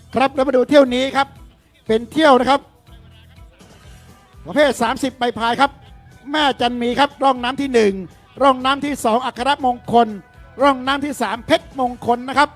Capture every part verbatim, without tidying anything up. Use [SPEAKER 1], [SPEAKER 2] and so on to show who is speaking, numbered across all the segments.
[SPEAKER 1] ครับแล้วมาดูเที่ยวนี้ครับเป็นเที่ยวนะครับประเภทสามสิบใบพายครับแม่จันมีครับร่องน้ำที่หนึ่งร่องน้ำที่สองอัครมงคลร่องน้ำที่สามเพชรมงคลนะครับ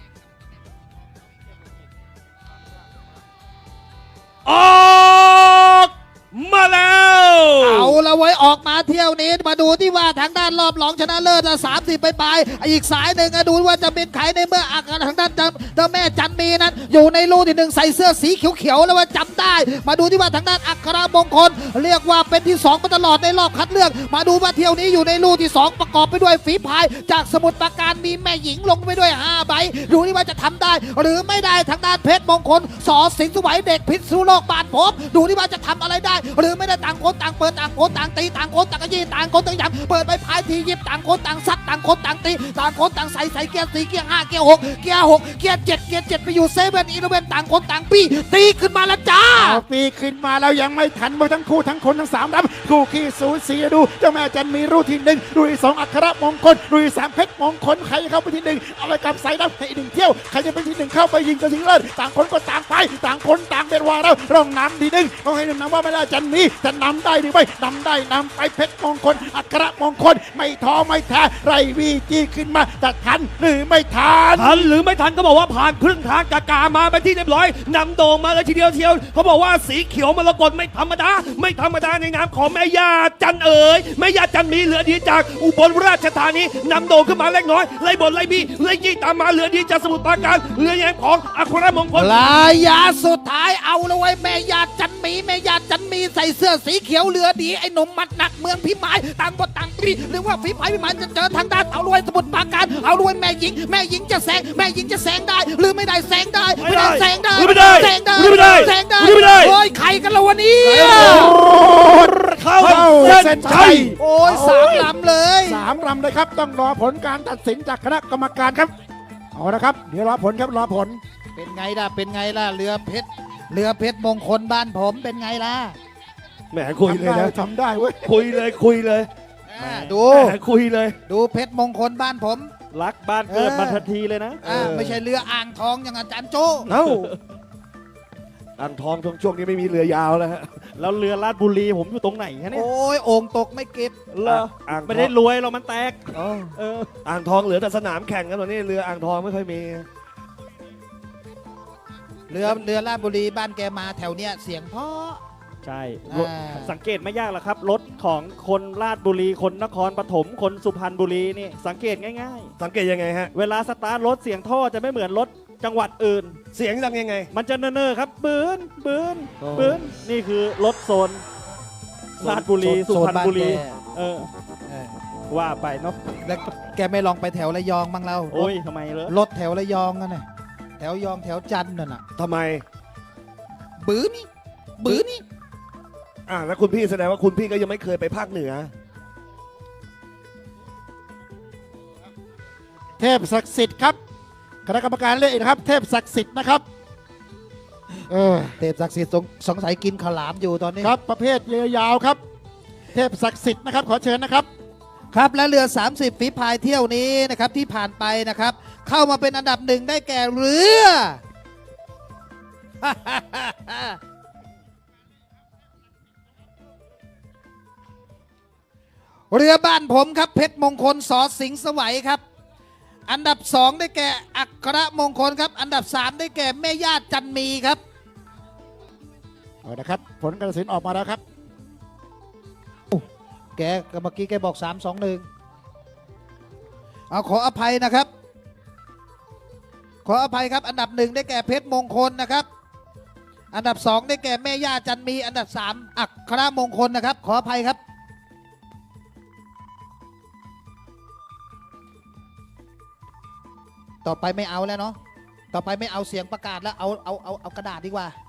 [SPEAKER 2] ออกมาแล้ว
[SPEAKER 3] เอาละไว้ออกมาเที่ยวนี้มาดูที่ว่าทางด้านรอบรองชนะเลิศสามสิบไปปลายอีกสายหนึ่งดูว่าจะเป็นใครในเมื่ออาการทางด้านเจ้าแม่จันมีนั้นอยู่ในรูที่หนึ่งใส่เสื้อสีเขียวๆแล้วว่าจำได้มาดูที่ว่าทางด้านอัครมงคลเรียกว่าเป็นที่สองมาตลอดในรอบคัดเลือกมาดูว่าเที่ยวนี้อยู่ในรูที่สองประกอบไปด้วยฝีพายจากสมุทรปราการมีแม่หญิงลงไปด้วยห้าใบดูที่ว่าจะทำได้หรือไม่ได้ทางด้านเพชรมงคลสอสิงห์สวัยเด็กพิษณุโลกบานผมดูที่ว่าจะทำอะไรได้หรือไม่ได้ต่างคนต่างเปิดต่างคนต่างตีต่างคนต่างกระยีต่างคนต่างย้ำเปิดไปพายทียิบต่างคนต่างซัดต่างคนต่างตีต่างคนต่างใส่ใส่เกียร์สี่เกียร์ห้าเกียร์หกเกียร์หกเกียร์เจ็ดเกียร์เจ็ดไปอยู่เซเว่นอีเลเว่นต่างคนต่างปีตีขึ้นมาแล้วจ้า
[SPEAKER 1] เอาปีขึ้นมาแล้วยังไม่ทันมาทั้งคู่ทั้งคนทั้งสามรับคู่ขี้สูสีดูเจ้าแม่จันมีรูที่หนึ่งรูที่สองอัครมงคลรูที่สามเพชรมงคลใครจะเข้าไปที่หนึ่งเอาไปกับใส่รับให้หนึ่งเที่ยวใครจะเป็นที่หนึ่งเข้าไปยิงก็ยิงเลิศต่างคนก็ต่างไปต่างคนต่างเป็นวาแล้วร่องน้ำที่หนึ่งเขาให้นำว่าไม่ได้จันมีจะนำได้หรือไม่นำได้นำไปเพชรมงคลอัครมงคลไม่ท้อไม่แท้ไรวีจีขึ้นมาจะทันหรือไม่ทัน
[SPEAKER 2] ทันหรือไม่ทันก็บอกว่าผ่านครึ่งทางกากามาไปที่เรียบร้อยนำโด่งมาเลยทีเดียวเทียวเขาบอกว่าสีเขียวมรกตไม่ธรรมดาไม่ธรรมดาในนามของแม่ย่าจันเอ๋ยแม่ย่าจันมีเหลือดีจากอุบลราชธานีนำโด่งขึ้นมาเล็กน้อยไล่บนไล่บีไล่ยี่ตามมาเหลือดีจากสมุทรปราการเหลือแยงของอัครมงคล
[SPEAKER 3] ลายาสุดท้ายเอาเลยไว้แม่ย่าจันมีแม่ย่าจันมีใส่เสื้อสีเขียวเหลือดีไอ้หนุ่มมัดหนักเมืองพิมายต่างบทต่างปีหรือว่าฝีพายพิมายจะเจอทางด้านเอารวยสมุทรปราการเอารวยแม่หญิงแม่หญิงจะแซงแม่หญิงจะแซงได้หรือไม่ได้แซงได้ไม่ได้แซงได้
[SPEAKER 2] ไม่ได้
[SPEAKER 3] แซงได้
[SPEAKER 2] ไม่ได้
[SPEAKER 3] แซงได้
[SPEAKER 2] ไม่ได้
[SPEAKER 3] โอ้ยใครกันละวันนี้
[SPEAKER 2] เข้าเส้นชัย
[SPEAKER 3] โอ้ยสามลำเลย
[SPEAKER 1] สามลำเลยครับต้องรอผลการตัดสินจากคณะกรรมการครับเอาละครับเดี๋ยวรอผลครับรอผล
[SPEAKER 3] เป็นไงล่ะเป็นไงล่ะเรือเพชรเรือเพชรมงคลบ้านผมเป็นไงล่ะ
[SPEAKER 2] แหมคุยเลยนะ
[SPEAKER 1] ทำได้เว้ย
[SPEAKER 2] คุยเลยคุยเลย
[SPEAKER 3] ดู
[SPEAKER 2] คุยเลย
[SPEAKER 3] ดูเพชรมงคลบ้านผม
[SPEAKER 2] รักบ้านเกิดมาทันทีเลยนะ
[SPEAKER 3] ไม่ใช่เรืออ่างทองอย่างอาจารย์โจ้
[SPEAKER 2] เอ้าอ่างทองช่วงนี้ไม่มีเรือยาวแล้วฮะแล้วเรือลาดบุรีผมอยู่ตรงไหนฮะเนี่ย
[SPEAKER 3] โอ้ยโอ่งตกไม่เก็บ
[SPEAKER 2] เหรอไม่ได้รวยเรามันแตกเอออ่างทองเหลือแต่สนามแข่งกันตอนนี้เรืออ่างทองไม่ค่อยมี
[SPEAKER 3] เรือเรือลาดบุรีบ้านแกมาแถวเนี้ยเสียงเพราะ
[SPEAKER 2] ใช่สังเกตไม่ยากหรอกครับรถของคนราชบุรีคนนครปฐมคนสุพรรณบุรีนี่สังเกตง่ายๆสังเกตยังไงฮะเวลาสตาร์ทรถเสียงท่อจะไม่เหมือนรถจังหวัดอื่นเสียงดังยังไงมันจะเน่อๆครับบืนบืนบืนนี่คือรถโซนราชบุรีสุพรรณบุรีเออว่าไปเนาะ
[SPEAKER 3] แล้วแกไม่ลองไปแถวระยองบ้างเรา
[SPEAKER 2] โอ้ยทำไมเหรอ
[SPEAKER 3] รถแถวระยองกันน่ะแถวยองแถวจันทร์น่ะนะ
[SPEAKER 2] ทำไม
[SPEAKER 3] บื้อนี่บื้อนี่
[SPEAKER 2] อ่าแล้วคุณพี่แสดงว่าคุณพี่ก็ยังไม่เคยไปภาคเหนือ
[SPEAKER 1] เทพศักดิ์สิทธิ์ครับคณะกรรมการเลือกนะครับเทพศักดิ์สิทธิ์นะครับเออ
[SPEAKER 3] เทพศักดิ์สิทธิ์สงสัยกินข้าวหลามอยู่ตอนนี้
[SPEAKER 1] ครับประเภทเรือยาวครับเทพศักดิ์สิทธิ์นะครับขอเชิญนะครับ
[SPEAKER 3] ครับและเรือสามสิบฝีพายเที่ยวนี้นะครับที่ผ่านไปนะครับเข้ามาเป็นอันดับหนึ่งได้แก่เรือเรือบ้านผมครับเพชรมงคลสอสิงห์สวัยครับอันดับสองได้แก่อัครมงคลครับอันดับสามได้แก่แม่ย่าจันมีครับ
[SPEAKER 1] เอาละครับผลการตัดสินออกมาแล้วครับ
[SPEAKER 3] แกเมื่อกี้แกบอกสามสองหนึ่งเอาขออภัยนะครับขออภัยครับอันดับหนึ่งได้แก่เพชรมงคลนะครับอันดับสองได้แก่แม่ย่าจันมีอันดับสามอัครมงคลนะครับขออภัยครับต่อไปไม่เอาแล้วเนาะต่อไปไม่เอาเสียงประกาศแล้วเอาเอาเอาเอากระดาษดีกว่า